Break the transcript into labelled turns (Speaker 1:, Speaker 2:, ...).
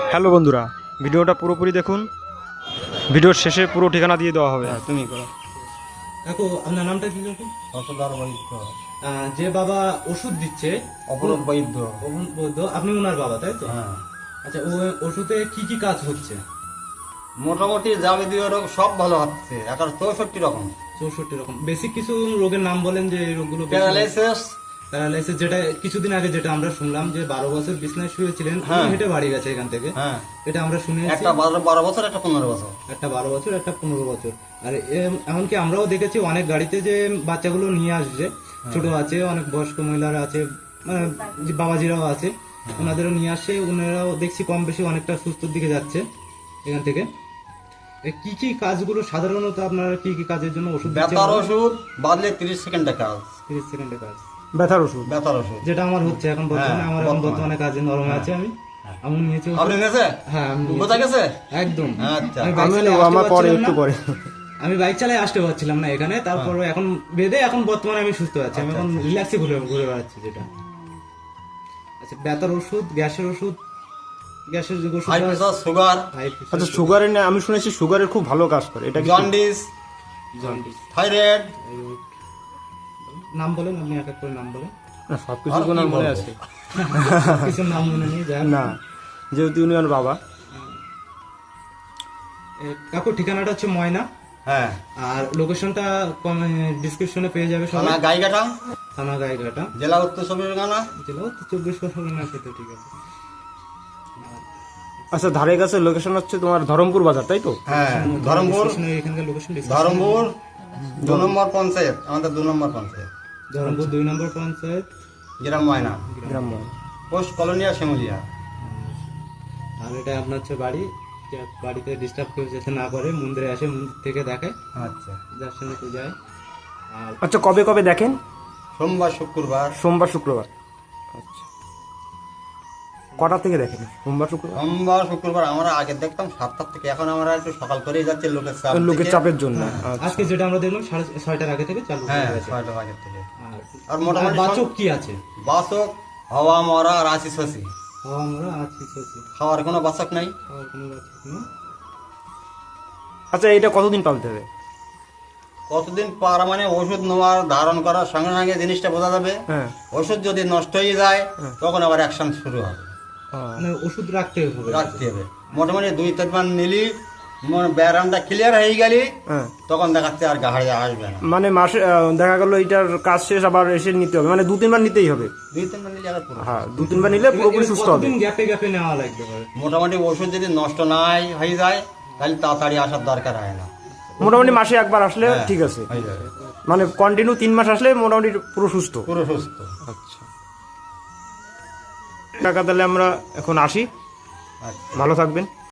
Speaker 1: Hello বন্ধুরা, ভিডিওটা পুরোপুরি দেখুন। ভিডিওর শেষে পুরো ঠিকানা দিয়ে দেওয়া হবে।
Speaker 2: তুমি করো।
Speaker 3: কাকু আপনার নামটা কি কাকু?
Speaker 2: অসদার বৈদ্য,
Speaker 3: যে বাবা ওষুধ দিচ্ছে
Speaker 2: অপরূপ বৈদ্য।
Speaker 3: অরুণ বৈদ্য, আপনি ওনার বাবা তাই তো?
Speaker 2: হ্যাঁ,
Speaker 3: আচ্ছা, ও ওষুধে কি কি কাজ হচ্ছে?
Speaker 2: মোটামুটি যাবতীয় রোগ সব ভালো হচ্ছে, এখন 64 রকম।
Speaker 3: 64 রকম। বেসিক কিছু রোগের নাম বলেন যে এই রোগগুলো।
Speaker 2: প্যারালাইসিস,
Speaker 3: প্যারালাইসিস, যেটা কিছুদিন আগে যেটা আমরা শুনলাম যে 12 বছর বিছনায় শুয়েছিলেন,
Speaker 2: হ্যাঁ।
Speaker 3: হেঁটে বাড়ি গেছে এখান থেকে,
Speaker 2: হ্যাঁ,
Speaker 3: এটা আমরা শুনেছি।
Speaker 2: একটা 12 বছর, একটা 15 বছর।
Speaker 3: একটা 12 বছর, একটা 15 বছর। আর এমনকি আমরাও দেখেছি অনেক গাড়িতে যে বাচ্চাগুলো নিয়ে আসছে, ছোট আছে, অনেক বয়স্ক মহিলারা আছে, মানে যে বাবাজিরাও আছে, ওনাদেরও নিয়ে আসে। ওনারাও দেখছি কম বেশি অনেকটা সুস্থর দিকে যাচ্ছে এখান থেকে। কি কি কাজগুলো সাধারণত আপনারা কি কি কাজের জন্য ওষুধ দিচ্ছেন?
Speaker 2: ব্যথার ওষুধ বাদলে 30 সেকেন্ডে কাজ।
Speaker 3: 30 সেকেন্ডে কাজ।
Speaker 1: ব্যথার ওষুধ,
Speaker 2: ব্যথার ওষুধ
Speaker 3: যেটা আমার হচ্ছে এখন বর্তমানে।
Speaker 2: হ্যাঁ,
Speaker 3: আমার এখন
Speaker 2: বর্তমানে।
Speaker 3: বর্তমানে কাজে নরম আছে। আমি নিয়েছি ওষুধ।
Speaker 2: আপনি গেছে?
Speaker 3: হ্যাঁ, আমি নিয়েছি।
Speaker 2: কোথায় গেছে?
Speaker 3: একদম।
Speaker 2: আচ্ছা।
Speaker 3: আমি বাইক
Speaker 1: আমি
Speaker 3: চালিয়ে
Speaker 1: নেবো,
Speaker 3: আসতে
Speaker 1: আমার পরে
Speaker 3: পারছিলাম
Speaker 1: একটু
Speaker 3: না।
Speaker 1: পরে।
Speaker 3: আমি বাইক চালিয়ে আসতে পারছিলাম না এখানে, তারপর এখন বেঁধে এখন বর্তমানে আমি সুস্থ আছি। আমি এখন রিল্যাক্সে ঘুরে ঘুরে বেড়াচ্ছি যেটা। আচ্ছা, ব্যথার ওষুধ, গ্যাসের ওষুধ, গ্যাসের যে ওষুধ,
Speaker 2: হাই প্রেসার, সুগার,
Speaker 1: আচ্ছা, সুগারের না, আমি শুনেছি সুগারের খুব ভালো কাজ করে, এটা কি?
Speaker 2: Jaundice,
Speaker 3: jaundice.
Speaker 2: থাইরয়েড।
Speaker 3: নাম বলেন, আপনি এক এক করে নাম বলেন।
Speaker 1: না, সবকিছু
Speaker 2: আর
Speaker 1: কোনো
Speaker 2: কি
Speaker 1: মনে
Speaker 2: বলবো?
Speaker 1: আছে
Speaker 3: কিছু নাম মনে নেই, যাই হোক।
Speaker 1: না, যেহেতু উনি আমার বাবা।
Speaker 3: কাকুর ঠিকানাটা হচ্ছে ময়না,
Speaker 2: হ্যাঁ,
Speaker 3: আর লোকেশনটা ডিসক্রিপশনে পেয়ে যাবে
Speaker 2: থানা
Speaker 3: সবাই।
Speaker 2: গাইঘাটা,
Speaker 3: থানা গাইঘাটা,
Speaker 2: জেলা উত্তর চব্বিশ পরগনা।
Speaker 3: জেলা তো 24 পরগনা আছে তো, ঠিক আছে।
Speaker 1: আচ্ছা, ধারে কাছে লোকেশন হচ্ছে তোমার ধরমপুর বাজার, তাই তো?
Speaker 2: হ্যাঁ, ধরমপুর,
Speaker 3: এখানকার লোকেশন
Speaker 2: ধরমপুর 2 নম্বর পঞ্চায়েত, আমাদের 2 নম্বর পঞ্চায়েত,
Speaker 3: ধরমপুর 2 নম্বর পঞ্চায়েত,
Speaker 2: গ্রাম ময়না,
Speaker 1: গ্রাম্য।
Speaker 2: Post colonia, Shimulia.
Speaker 3: আর এটা আপনার হচ্ছে বাড়ি। যে বাড়িতে ডিস্টার্ব কেউ যাতে না করে, মন্দিরে আসে, মন্দির থেকে দেখে,
Speaker 2: আচ্ছা,
Speaker 3: যার সঙ্গে তো যায়। আর
Speaker 1: আচ্ছা, কবে কবে দেখেন?
Speaker 2: সোমবার, শুক্রবার।
Speaker 1: সোমবার, শুক্রবার। আচ্ছা, কটা থেকে দেখেন সোমবার, শুক্রবার?
Speaker 2: সোমবার, শুক্রবার আমরা আগে দেখতাম 7টার থেকে, এখন আমরা একটু সকাল করেই যাচ্ছি লোকের চাপ
Speaker 1: লোকের
Speaker 2: থেকে।
Speaker 1: চাপের জন্য। আচ্ছা।
Speaker 3: আজকে যেটা আমরা দেখলাম 6:30 আগে থেকে চালু হয়ে
Speaker 2: হ্যাঁ,
Speaker 3: গেছে।
Speaker 2: 6টার আগে থেকে।
Speaker 3: আর
Speaker 2: আর মোটামুটি
Speaker 3: বাচক কি আছে?
Speaker 2: বাসক, হাওয়া মরা আর আসি শশি,
Speaker 3: খাওয়া আমরা আছি সত্যি,
Speaker 2: খাওয়ার কোনো বাসক নাই।
Speaker 3: খাওয়ার কোনো বাচক নেই।
Speaker 1: আচ্ছা, এটা কতদিন পালতে হবে?
Speaker 2: কতদিন পার মানে ওষুধ নেওয়ার ধারণ করার সঙ্গে সঙ্গে জিনিসটা বোঝা যাবে।
Speaker 1: হ্যাঁ।
Speaker 2: ওষুধ যদি নষ্ট হয়ে যায় তখন আবার অ্যাকশন শুরু হবে,
Speaker 3: মানে ওষুধ রাখতে হবে।
Speaker 2: রাখতে হবে। মোটামুটি 2-3 বার নিলি, ব্যায়ামটা ক্লিয়ার হয়ে গেলি,
Speaker 1: হ্যাঁ,
Speaker 2: তখন দেখাচ্ছে আর গাহাড়ে আসবে না।
Speaker 1: মানে মাসে দেখা গেল এটার কাজ শেষ, আবার এসে নিতে হবে, মানে 2-3 বার নিতেই হবে।
Speaker 2: 2-3 বার নিলে আবার পুরো।
Speaker 1: হ্যাঁ, 2-3 বার নিলে পুরোপুরি সুস্থ হবে।
Speaker 3: কতদিন গ্যাপে গ্যাপে নেওয়া লাগবে ভাই?
Speaker 2: মোটামুটি ওষুধ যদি নষ্ট নাই হয়ে যায় তাহলে তাড়াতাড়ি আসার দরকার হয় না।
Speaker 1: মোটামুটি মাসে একবার আসলে
Speaker 2: হ্যাঁ,
Speaker 1: ঠিক আছে।
Speaker 2: হয়ে যাবে,
Speaker 1: মানে কন্টিনিউ 3 মাস আসলে মোটামুটি পুরো সুস্থ।
Speaker 2: পুরো সুস্থ।
Speaker 1: আচ্ছা, টাকা তাহলে আমরা এখন আসি,
Speaker 2: আচ্ছা।
Speaker 1: ভালো থাকবেন।